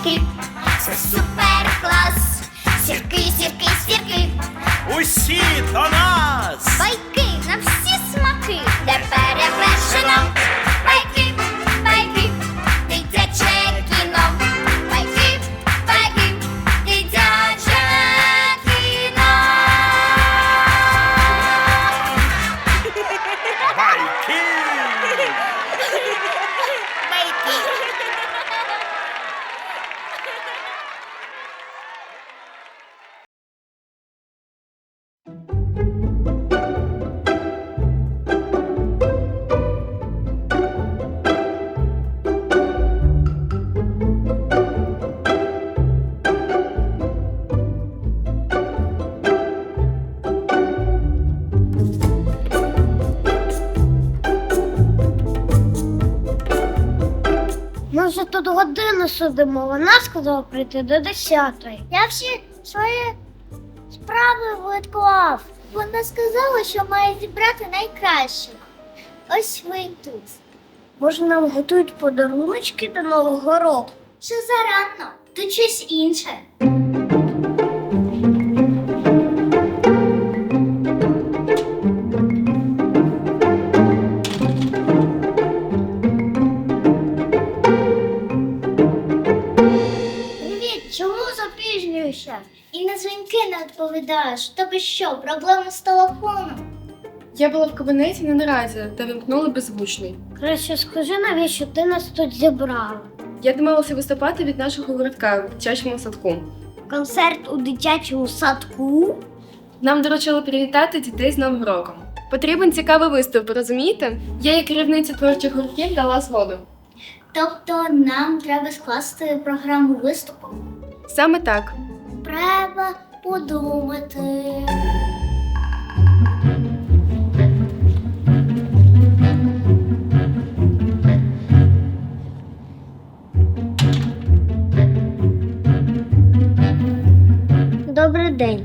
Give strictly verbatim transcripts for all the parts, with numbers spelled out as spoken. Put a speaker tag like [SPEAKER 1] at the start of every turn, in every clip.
[SPEAKER 1] сірки, це супер клас. Сірки, сірки, сірки,
[SPEAKER 2] Усі до нас!
[SPEAKER 1] байки на всі смаки, де перевершено. Байки, байки, дитяче кіно. Байки, байки, дитяче кіно.
[SPEAKER 2] Байки!
[SPEAKER 3] Ми вже тут годину сидимо, вона сказала прийти до десятої. Я всі свої справи відклав. Вона сказала, що має зібрати найкращих. Ось ви тут. Може, нам готують подаруночки до Нового року? Ще зарано, тут щось інше. Привіт, чому запізнюєшся? І на дзвінки не відповідаєш. У тебе що, проблеми з телефоном?
[SPEAKER 4] Я була в кабінеті на наразі та вимкнула беззвучний.
[SPEAKER 3] Краще скажи, навіщо ти нас тут зібрала?
[SPEAKER 4] Я домовилася виступати від нашого городка в дитячому садку.
[SPEAKER 3] Концерт у дитячому садку?
[SPEAKER 4] Нам доручили привітати дітей з Новим роком. Потрібен цікавий виступ, розумієте? Я, як керівниця творчих гуртків, дала згоду.
[SPEAKER 3] Тобто нам треба скласти програму виступу?
[SPEAKER 4] Саме так.
[SPEAKER 3] Треба подумати. Добрий день.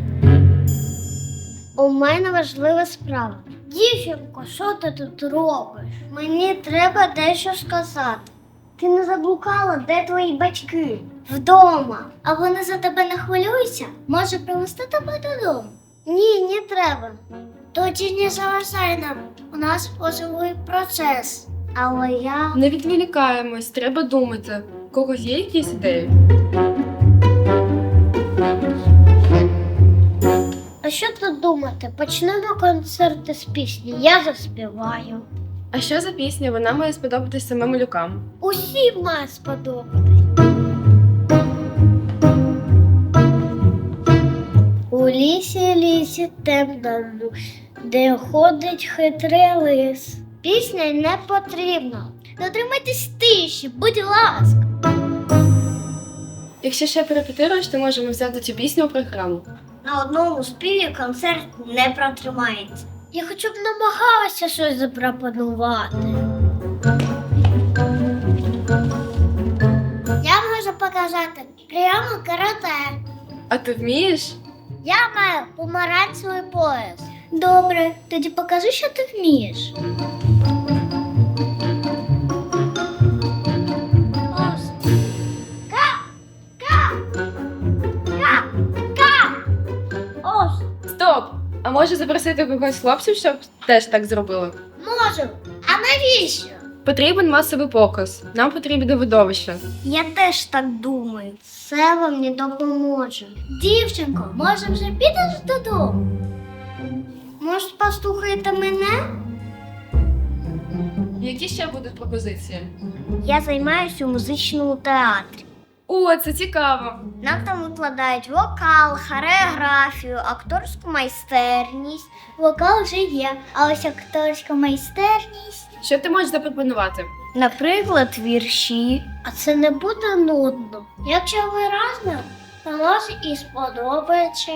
[SPEAKER 3] У мене важлива справа. Дівчинко, що ти тут робиш? Мені треба дещо сказати. Ти не заблукала, де твої батьки? Вдома. А вони за тебе не хвилюються? Може привезти тебе додому? Ні, не треба. Тоді не заважай нам. У нас важливий процес. Але я...
[SPEAKER 4] Не відволікаємось, треба думати. У когось є якісь ідеї?
[SPEAKER 3] А що тут думати? Почнемо концерти з пісні. Я заспіваю.
[SPEAKER 4] А що за пісня? Вона має сподобатись самим малюкам.
[SPEAKER 3] Усім має сподобатись. У лісі, лісі темному, де ходить хитрий лис. Пісня не потрібна. Дотримайтесь тиші, будь ласка.
[SPEAKER 4] Якщо ще перепетируєш, то можемо взяти цю пісню у програму.
[SPEAKER 3] На одному співі концерт не протримається. Я хоча б намагалася щось запропонувати. Я можу показати прямо карате.
[SPEAKER 4] А ти вмієш?
[SPEAKER 3] Я маю помаранчевий пояс. Добре, тоді покажи, що ти вмієш. Ось. Ка! Ка! Ка! Ка! Ось.
[SPEAKER 4] Стоп! А може запросити когось з хлопців, щоб теж так зробили?
[SPEAKER 3] Можу. А навіщо?
[SPEAKER 4] Потрібен масовий показ. Нам потрібне видовище.
[SPEAKER 3] Я теж так думаю. Це вам не допоможе. Дівчинко, може вже підеш додому? Може, послухаєте мене?
[SPEAKER 4] Які ще будуть пропозиції?
[SPEAKER 3] Я займаюся у музичному театрі.
[SPEAKER 4] О, це цікаво.
[SPEAKER 3] Нам там викладають вокал, хореографію, акторську майстерність. Вокал вже є, а ось акторська майстерність.
[SPEAKER 4] Що ти можеш запропонувати?
[SPEAKER 3] Наприклад, вірші. А це не буде нудно. Якщо ви разом, то може і сподобається.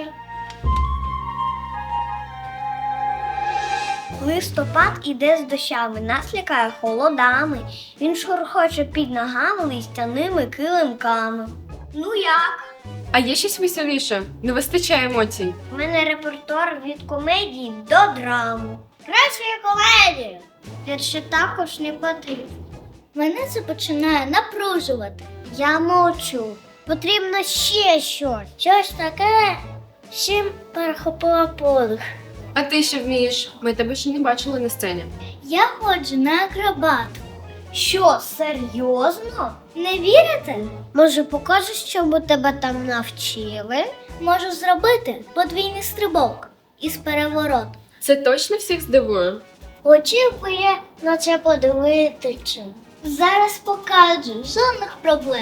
[SPEAKER 3] Листопад іде з дощами, нас лякає холодами. Він шурхоче під ногами листяними килимками. Ну як?
[SPEAKER 4] А є щось веселіше? Не вистачає емоцій.
[SPEAKER 3] У мене репертуар від комедії до драми. Кращої комедії! Вірші також не потрібно. Мене це починає напружувати. Я мовчу. Потрібно ще щось. Щось таке, з чим перехопила подих.
[SPEAKER 4] А ти що вмієш? Ми тебе ще не бачили на сцені.
[SPEAKER 3] Я ходжу на акробатику. Що, серйозно? Не вірите? Може, покажеш, чому тебе там навчили? Можу зробити подвійний стрибок із перевороту.
[SPEAKER 4] Це точно всіх здивує?
[SPEAKER 3] Очікує на це подивитися. Зараз покажу, жодних проблем.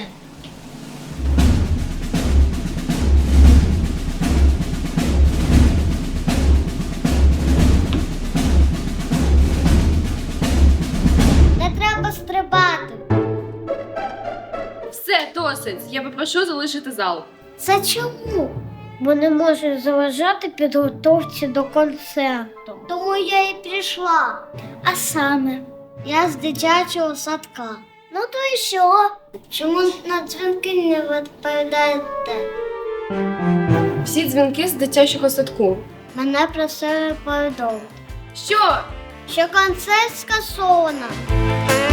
[SPEAKER 3] Не треба стрибати.
[SPEAKER 4] Все, досить. Я попрошу залишити зал.
[SPEAKER 3] Це чому? Бо не можу заважати підготовці до концерту. Тому я і прийшла. А саме, я з дитячого садка. Ну то і що? Чому на дзвінки не відповідаєте?
[SPEAKER 4] Всі дзвінки з дитячого садку.
[SPEAKER 3] Мене про це повідомили.
[SPEAKER 4] Що?
[SPEAKER 3] Що концерт скасовано.